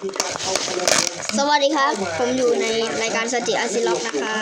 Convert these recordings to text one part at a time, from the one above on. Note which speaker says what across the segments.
Speaker 1: สวัสดีครับผมอยู่ในรายการสติอาซิล็อกนะคะ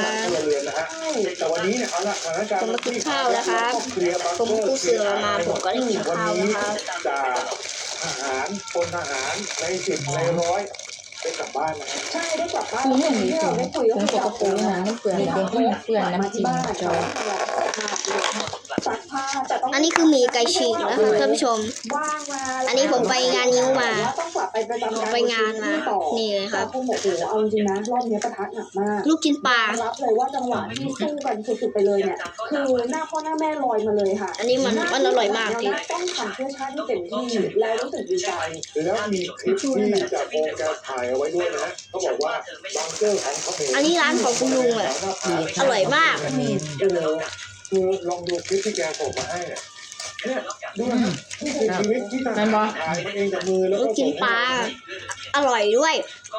Speaker 1: ผมมากินข้าวนะครับผมกู้เสือมาผมก็ได้กินข้าวนะครับ
Speaker 2: ทหารพลทหารใน10ใน100ได้กลับบ้านนะครับ
Speaker 3: ใช่ได้กลับบ้านที่เราได้คุยกับคุณปูนะมันเปื่อนเด็กๆที่เปื่อนน้ำจิ้มจอยซักผ้าแต่ต้อง
Speaker 1: อันนี้คือหมีไก่ฉีกนะครับท่านผู้ชม
Speaker 3: ว่างมา
Speaker 1: อันนี้ผมไปงานนิ้วมา
Speaker 3: ต้องกลับไปประจำการ
Speaker 1: ไปงานมานี่เลยครับ
Speaker 3: คุณบอกว่าเอาจริงนะรอบนี้ประทัดหนักมาก
Speaker 1: ลูกชิ้นปลา
Speaker 3: รับเลยว่าจังหวะที่สู้กันสุดๆไปเลยเนี่ยคือหน้าพ่อหน้าแม่ลอยมาเลยค่ะ
Speaker 1: อันนี้มันอร่อยมากจริง
Speaker 3: ต้องทำเพื่อชาติที่เต็มที่แล้วรู้สึกดีใจ
Speaker 2: แล้วมีคลิปที่จากโองแกถ่ายเอาไว้ด้วยนะเขาบอกว่าบังเกอร์ของเขาเอง
Speaker 1: อันนี้ร้านของคุณลุงอ่ะอร่อยมาก
Speaker 2: คือลองดูคลิปที่แกส่งมาให้เนี่ยดูนะชีวิตที่ถ่ายมันเองจากมือแล้ว
Speaker 1: ลูกชิ้นปลาอร่อยด้วย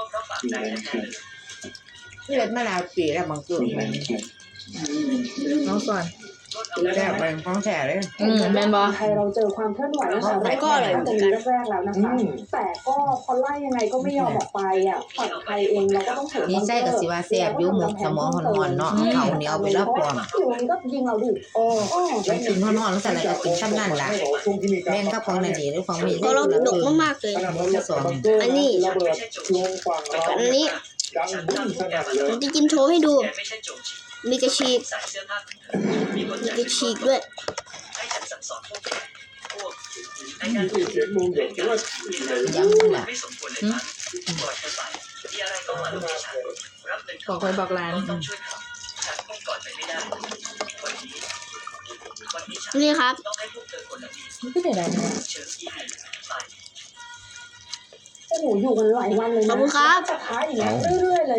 Speaker 4: นี่เล็ดมะนาวปีแล้วบางจุดมันน้องสอนแซ่บไปของแท้เลย
Speaker 3: แมนบอไทยเราเจอความเคลื่อนไหวตั้งแต่
Speaker 1: ก็อร่อยเหมือนกัน
Speaker 3: แรกๆแล้วนะคะแต่ก็พอไล่ยังไงก็ไม่ยอมออกไปอ่ะฝั่งไทยเองเราก็ต้องถือ
Speaker 4: นี่ใส่กับสิว่าแซ่บยุ่หมกสมองหอนๆเนาะเขาเหนียวไปแล้วพร้อม
Speaker 3: อยู่นี่ก็ยิงเราดิ
Speaker 4: แล้วกินหอนๆแล้วใส่อะไรก็กินซ้ำนั่นล่ะแม่งก็ของนั่นดีหรือของมี
Speaker 1: ก็เราดกมากๆเลยอันนี้ผมจะกินโชว์ให้ดูมีกระฉีกด้วย
Speaker 4: ยังล่ะบอกคอยบอกร้าน
Speaker 1: นี่ครับ
Speaker 4: ไม่ได้อะไร
Speaker 3: โอ้โหอยู่กันหลายวันเลยนะ
Speaker 1: ขอบคุณครับ
Speaker 3: สุดท้ายอย่างเงี้ยเรื่อยๆเลย